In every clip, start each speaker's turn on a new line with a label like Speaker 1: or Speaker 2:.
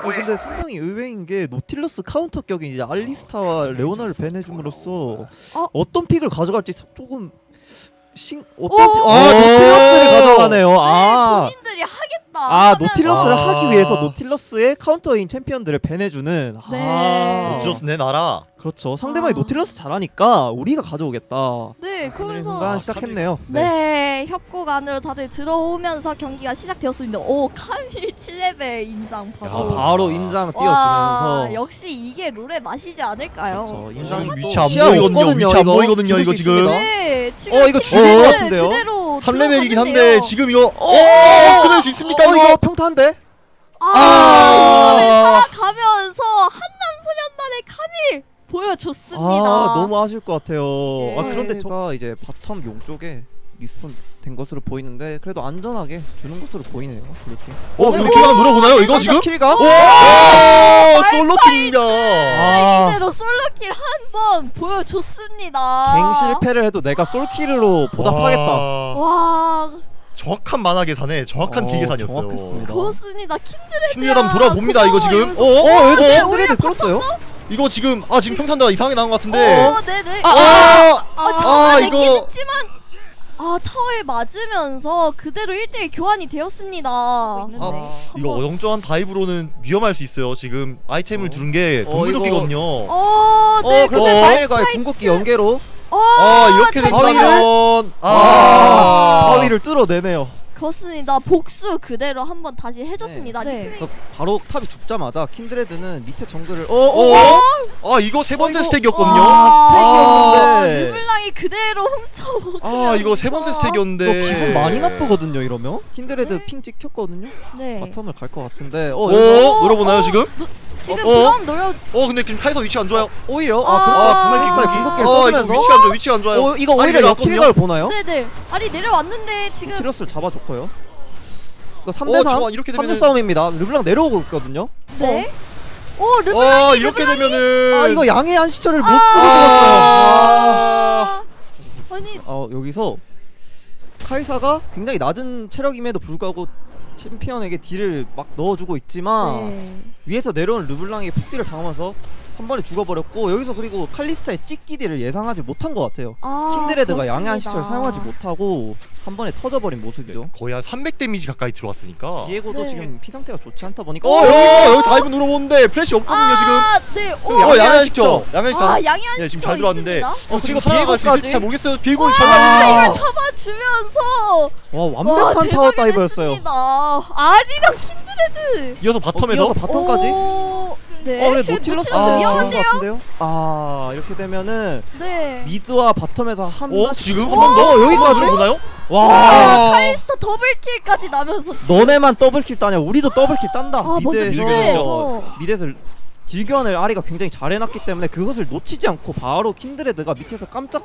Speaker 1: 근데 상당히 의외인 게 노틸러스 카운터 격인 이제 알리스타와 레오나를 밴해줌으로써 어떤 픽을 가져갈지 조금 노틸러스를 가져가네요.
Speaker 2: 본인들이 하겠다.
Speaker 1: 노틸러스를 하기 위해서 노틸러스의 카운터인 챔피언들을 밴해주는.
Speaker 2: 네.
Speaker 3: 노틸러스 내놔라.
Speaker 1: 그렇죠. 상대방이 노틸러스 잘하니까 우리가 가져오겠다.
Speaker 2: 네, 그러면서
Speaker 1: 순간 시작했네요.
Speaker 2: 네, 협곡 안으로 다들 들어오면서 경기가 시작되었습니다. 오, 카밀 7레벨 인장 바로.
Speaker 1: 바로 인장
Speaker 2: 와,
Speaker 1: 띄워주면서.
Speaker 2: 역시 이게 롤의 맛이지 않을까요?
Speaker 1: 그렇죠. 인장이
Speaker 3: 지금
Speaker 1: 또
Speaker 3: 위치 안
Speaker 1: 시야
Speaker 3: 보이거든요.
Speaker 1: 없거든요,
Speaker 3: 위치 안
Speaker 1: 이거.
Speaker 3: 보이거든요,
Speaker 1: 죽을
Speaker 3: 이거
Speaker 1: 수
Speaker 3: 지금.
Speaker 1: 있습니다.
Speaker 2: 네, 지금
Speaker 1: 이거
Speaker 2: 킹
Speaker 1: 죽을 것
Speaker 2: 레벨은
Speaker 1: 같은데요?
Speaker 2: 그대로
Speaker 3: 3레벨이긴 한데
Speaker 2: 들어갔는데요.
Speaker 3: 지금 이거 끊을 수 있습니까
Speaker 1: 이거
Speaker 3: 이거?
Speaker 1: 평타인데?
Speaker 2: 이거를 살아가면서 한남소년단의 카밀 보여줬습니다.
Speaker 1: 너무 아쉬울 것 같아요.
Speaker 2: 예.
Speaker 1: 그런데 제가 이제 바텀 용 쪽에 리스폰 된 것으로 보이는데 그래도 안전하게 주는 것으로 보이네요. 블루팀.
Speaker 3: 이거 킬각 노려보나요 이거 지금?
Speaker 1: 킬각?
Speaker 3: 오! 솔로킬입니다.
Speaker 2: 이대로 솔로킬 한 번 보여줬습니다.
Speaker 1: 갱 실패를 해도 내가 솔킬로 보답하겠다.
Speaker 2: 와,
Speaker 3: 정확한 만화 계산에 정확한 딜 계산이었어요.
Speaker 1: 정확했습니다.
Speaker 2: 그렇습니다. 킨드레드.
Speaker 3: 킨드레드 한번 돌아봅니다 이거 지금.
Speaker 1: 여기서
Speaker 2: 네,
Speaker 1: 킨드레드 끌었어요?
Speaker 3: 이거 지금 지금 평탄도가 이상하게 나온 것 같은데.
Speaker 2: 네네.
Speaker 3: 이거
Speaker 2: 했지만 타워에 맞으면서 그대로 1대1 교환이 되었습니다.
Speaker 3: 이거 어정쩡한 다이브로는 위험할 수 있어요. 지금 아이템을 두른 게 동물도끼거든요.
Speaker 2: 네,
Speaker 1: 근데 바위가 궁극기 연계로
Speaker 3: 이렇게 된다면
Speaker 1: 바위를 뚫어내네요.
Speaker 2: 그렇습니다. 복수 그대로 한번 다시 해줬습니다.
Speaker 1: 그래서 바로 탑이 죽자마자 킨드레드는 밑에 정글을
Speaker 3: 이거 세 번째
Speaker 1: 이거-
Speaker 3: 스택이었거든요.
Speaker 1: 스택이었는데.
Speaker 2: 르블랑이 그대로 훔쳐먹으면서
Speaker 3: 이거 세 번째 스택이었는데.
Speaker 1: 기분 많이 나쁘거든요 이러면. 킨드레드
Speaker 2: 네.
Speaker 1: 핑 찍혔거든요.
Speaker 2: 네.
Speaker 1: 바텀을 갈 것 같은데
Speaker 3: 노려보나요 지금?
Speaker 2: 지금 그럼 노려.
Speaker 3: 근데 지금 카이사 위치가 안 좋아요.
Speaker 1: 오히려
Speaker 3: 궁극기
Speaker 1: 써주면서
Speaker 3: 위치가 안 좋아요.
Speaker 1: 이거 오히려 역킬각을 보나요?
Speaker 2: 네네. 아니 내려왔는데 지금.
Speaker 1: 노틸러스를 잡아줬고요. 이거 3대3
Speaker 3: 이렇게
Speaker 1: 3대
Speaker 3: 되면은
Speaker 1: 싸움입니다. 르블랑 내려오고 있거든요.
Speaker 2: 네. 르블랑이
Speaker 3: 이렇게 되면은
Speaker 1: 이거 양의 안식처를 못 쓰고
Speaker 3: 아.
Speaker 2: 아니
Speaker 1: 여기서 카이사가 굉장히 낮은 체력임에도 불구하고 챔피언에게 딜을 막 넣어주고 있지만 위에서 내려온 르블랑이 폭딜을 당하면서 한 번에 죽어버렸고 여기서 그리고 칼리스타의 찍기 딜을 예상하지 못한 것 같아요. 킨드레드가 양의 안식처를 사용하지 못하고 한 번에 터져버린 모습이죠.
Speaker 3: 거의 한 300 데미지 가까이 들어왔으니까.
Speaker 1: 디에고도
Speaker 2: 네.
Speaker 1: 지금 피 상태가 좋지 않다 보니까
Speaker 3: 여기 다이브 눌러보는데 플래시 없거든요 지금.
Speaker 2: 네.
Speaker 3: 양현식죠. 양현식
Speaker 2: 양의
Speaker 3: 네, 지금
Speaker 2: 안식처
Speaker 3: 잘 들어왔는데
Speaker 2: 있습니다.
Speaker 3: 지금
Speaker 1: 그리고
Speaker 3: 살아갈 수
Speaker 1: 비에고까지?
Speaker 3: 있을지 잘 모르겠어요. 비에고를
Speaker 2: 이걸 잡아주면서
Speaker 1: 완벽한 타워 다이브였어요.
Speaker 2: 아리랑 킨드레드.
Speaker 3: 이어서 바텀에서
Speaker 1: 바텀까지.
Speaker 2: 네.
Speaker 1: 그래
Speaker 2: 지금
Speaker 1: 노틸러스
Speaker 2: 위험한데요?
Speaker 1: 같은데요? 이렇게 되면은
Speaker 2: 네.
Speaker 1: 미드와 바텀에서 한
Speaker 3: 지금
Speaker 1: 한
Speaker 3: 한
Speaker 1: 번 더
Speaker 3: 여기까지 보나요?
Speaker 1: 와
Speaker 2: 칼리스타 더블킬까지 나면서 지금.
Speaker 1: 너네만 더블킬 따냐 우리도 더블킬 딴다.
Speaker 2: 먼저
Speaker 1: 미드에서 딜교환을 아리가 굉장히 잘 해놨기 때문에 그것을 놓치지 않고 바로 킨드레드가 밑에서 깜짝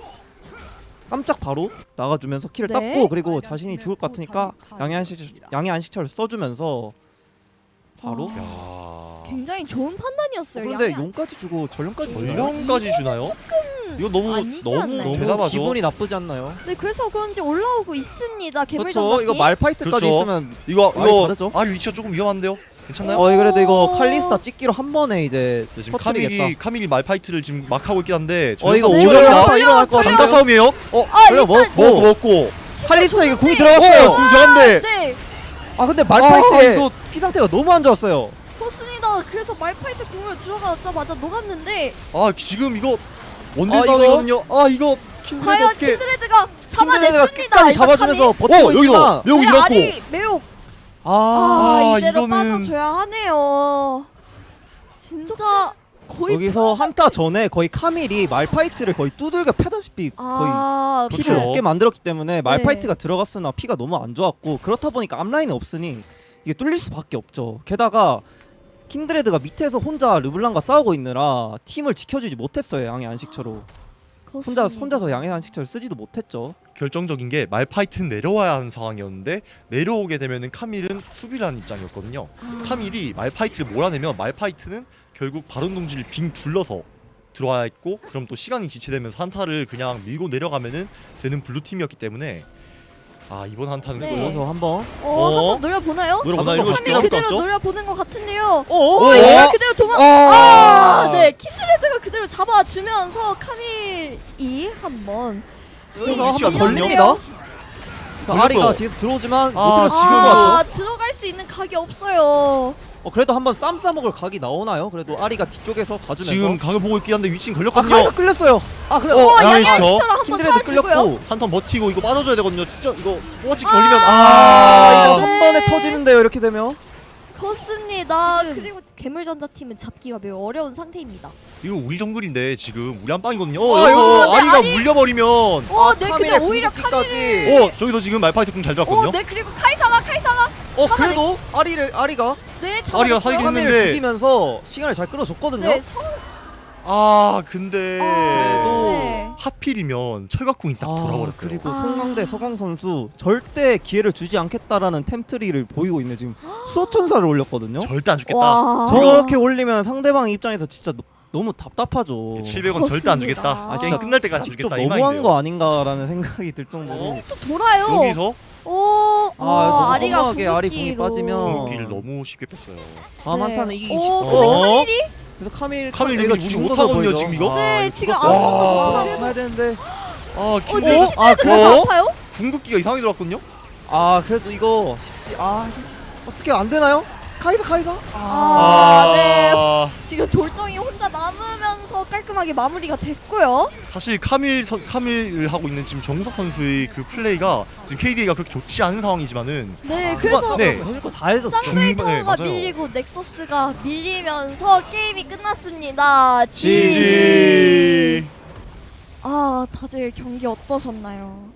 Speaker 1: 바로 나가주면서 킬을
Speaker 2: 네.
Speaker 1: 땄고 그리고 자신이 죽을 것 같으니까 양의 안식처를 써주면서 바로
Speaker 2: 굉장히 좋은 판단이었어요.
Speaker 1: 그런데
Speaker 2: 양의
Speaker 1: 용까지 주고 전령까지 주나요?
Speaker 3: 전령까지 주나요? 이거 너무
Speaker 2: 아니지
Speaker 3: 너무
Speaker 2: 않나요?
Speaker 1: 너무
Speaker 3: 대담하죠.
Speaker 1: 기분이 나쁘지 않나요?
Speaker 2: 네, 그래서 그런지 올라오고 있습니다.
Speaker 1: 그렇죠.
Speaker 2: 괴물전까지.
Speaker 1: 이거 말파이트까지
Speaker 3: 그렇죠.
Speaker 1: 있으면
Speaker 3: 이거
Speaker 1: 다르죠?
Speaker 3: 위치가 조금 위험한데요. 괜찮나요?
Speaker 1: 그래도 이거 칼리스타 찍기로 한 번에 이제
Speaker 3: 네, 지금
Speaker 1: 터뜨리겠다.
Speaker 3: 카밀이 말파이트를 지금 막 하고 있긴 한데
Speaker 1: 이거
Speaker 2: 네,
Speaker 1: 오히려 일어날 것
Speaker 3: 강타
Speaker 1: 같은데.
Speaker 3: 싸움이에요.
Speaker 1: 그래
Speaker 3: 먹고
Speaker 1: 칼리스타에게 궁이 들어갔어요.
Speaker 3: 궁 들어갔는데
Speaker 2: 네,
Speaker 1: 근데 말파이트의
Speaker 3: 이거
Speaker 1: 피 상태가 너무 안 좋았어요.
Speaker 2: 그렇습니다. 그래서 말파이트 궁으로 들어가자마자 녹았는데
Speaker 3: 지금 이거 원딜
Speaker 1: 이거?
Speaker 3: 싸움이거든요. 이거 킨드레드
Speaker 2: 과연
Speaker 3: 어떻게
Speaker 2: 킨드레드가
Speaker 1: 킨드레드가
Speaker 2: 잡아냈습니다.
Speaker 1: 끝까지 잡아주면서 버티고
Speaker 3: 여기서
Speaker 1: 있지만
Speaker 3: 매혹
Speaker 2: 네,
Speaker 3: 잃었고
Speaker 2: 아리 매혹. 이대로
Speaker 3: 이거는-
Speaker 2: 빠져줘야 하네요. 진짜 거의
Speaker 1: 여기서 한타 전에 거의 카밀이 말파이트를 거의 두들겨 패다시피 거의 피를
Speaker 3: 그렇죠.
Speaker 1: 얻게 만들었기 때문에 말파이트가 들어갔으나 피가 너무 안 좋았고 그렇다 보니까 앞라인이 없으니 이게 뚫릴 수밖에 없죠. 게다가 킨드레드가 밑에서 혼자 르블랑과 싸우고 있느라 팀을 지켜주지 못했어요. 양의 안식처로 혼자서 양의 안식처를 쓰지도 못했죠.
Speaker 3: 결정적인 게 말파이트는 내려와야 하는 상황이었는데 내려오게 되면은 카밀은 수비를 하는 입장이었거든요. 카밀이 말파이트를 몰아내면 말파이트는 결국 바론 둥지를 빙 둘러서 들어와야 했고 그럼 또 시간이 지체되면서 한타를 그냥 밀고 내려가면은 되는 블루팀이었기 때문에 아 이번 한타는
Speaker 2: 네.
Speaker 3: 또
Speaker 1: 여기서 한번
Speaker 2: 한번 노려보나요?
Speaker 3: 노려보나 이거 쉽게
Speaker 2: 카밀
Speaker 3: 잡을 것
Speaker 2: 그대로
Speaker 3: 같죠?
Speaker 2: 노려보는 것 같은데요.
Speaker 1: 오,
Speaker 2: 얘가 그대로 도망.
Speaker 1: 아,
Speaker 2: 네, 킨드레드가 그대로 잡아주면서 카밀이 한번
Speaker 1: 여기서
Speaker 3: 위치가
Speaker 1: 한번
Speaker 2: 걸리네요.
Speaker 1: 걸립니다.
Speaker 3: 걸렸고요.
Speaker 1: 아리가 뒤에서 들어오지만 못
Speaker 3: 아,
Speaker 1: 들어서
Speaker 3: 지금
Speaker 1: 지금
Speaker 3: 봤죠?
Speaker 2: 들어갈 수 있는 각이 없어요.
Speaker 1: 그래도 한번 쌈 싸먹을 각이 나오나요? 그래도 아리가 뒤쪽에서 가주면서
Speaker 3: 지금 각을 보고 있긴 한데 위치는
Speaker 1: 카이사
Speaker 3: 걸렸거든요.
Speaker 1: 끌렸어요. 그래.
Speaker 3: 양양
Speaker 2: 양양
Speaker 3: 시죠?
Speaker 2: 시처럼 한번
Speaker 1: 킨드레드
Speaker 2: 쏴주고요.
Speaker 1: 끌렸고.
Speaker 3: 한 턴 버티고 이거 빠져줘야 되거든요. 진짜 이거 뽀찌 걸리면
Speaker 1: 이거
Speaker 3: 아,
Speaker 2: 네.
Speaker 1: 한 번에 터지는데요. 이렇게 되면.
Speaker 2: 그렇습니다. 그리고 괴물전자 팀은 잡기가 매우 어려운 상태입니다.
Speaker 3: 이거 우리 정글인데 지금 우리 한 방이거든요.
Speaker 1: 이거
Speaker 3: 여기서
Speaker 2: 근데
Speaker 3: 아리가
Speaker 2: 아리-
Speaker 3: 물려버리면
Speaker 2: 네, 근데
Speaker 1: 카밀의
Speaker 2: 오히려
Speaker 1: 궁극기까지.
Speaker 2: 카밀을.
Speaker 3: 저기서 지금 말파이트 궁잘 들었거든요.
Speaker 2: 네, 그리고 카이사가
Speaker 1: 그래도 아리가
Speaker 2: 네,
Speaker 3: 아리가
Speaker 2: 잡아냈고요.
Speaker 3: 살긴 했는데.
Speaker 1: 카밀을 죽이면서 시간을 잘 끌어줬거든요.
Speaker 2: 네,
Speaker 3: 근데
Speaker 2: 네.
Speaker 3: 하필이면 철갑궁이 딱 돌아버렸어요.
Speaker 1: 그리고
Speaker 2: 아.
Speaker 1: 송강대 서강 선수 절대 기회를 주지 않겠다라는 템트리를 보이고 있는 지금 수호천사를 올렸거든요.
Speaker 3: 절대 안 죽겠다.
Speaker 2: 와.
Speaker 1: 저렇게 올리면 상대방 입장에서 진짜 너무 답답하죠.
Speaker 3: 700원 절대 안 주겠다.
Speaker 2: 그렇습니다.
Speaker 3: 게임 끝날 때까지
Speaker 1: 좀
Speaker 3: 주겠다 이
Speaker 1: 너무한
Speaker 3: 마인드예요.
Speaker 1: 거 아닌가라는 생각이 들 정도로.
Speaker 2: 또 돌아요.
Speaker 3: 여기서
Speaker 1: 너무
Speaker 2: 아리가
Speaker 1: 허무하게 아리 공이
Speaker 2: 궁극기로.
Speaker 1: 빠지면
Speaker 3: 공기를 너무 쉽게 뺐어요.
Speaker 1: 다음
Speaker 2: 네.
Speaker 1: 한타는 이기기
Speaker 2: 근데
Speaker 1: 쉽고.
Speaker 2: 카밀이
Speaker 1: 그래서 카밀
Speaker 3: 카밀
Speaker 1: 얘가
Speaker 3: 무시
Speaker 1: 죽은
Speaker 3: 못하거든요,
Speaker 1: 거죠,
Speaker 3: 지금 이거?
Speaker 2: 네,
Speaker 1: 이거
Speaker 2: 지금
Speaker 1: 죽었어요.
Speaker 2: 아무것도
Speaker 3: 와.
Speaker 2: 못하고.
Speaker 1: 가야 되는데.
Speaker 3: 킨드
Speaker 2: 그래도 아파요?
Speaker 3: 궁극기가 이상하게 들어왔거든요.
Speaker 1: 그래도 이거 쉽지. 어떻게 안 되나요? 카이사.
Speaker 2: 네. 지금 돌덩이 혼자 남으면서 깔끔하게 마무리가 됐고요.
Speaker 3: 사실 카밀을 하고 있는 지금 정석 선수의 그 플레이가 지금 KDA가 그렇게 좋지 않은 상황이지만은
Speaker 2: 네, 그래서
Speaker 3: 네.
Speaker 1: 해줄 거 다 해줬어.
Speaker 3: 네,
Speaker 2: 쌍베이터가
Speaker 3: 맞아요.
Speaker 2: 밀리고 넥서스가 밀리면서 게임이 끝났습니다.
Speaker 3: GG.
Speaker 2: 다들 경기 어떠셨나요?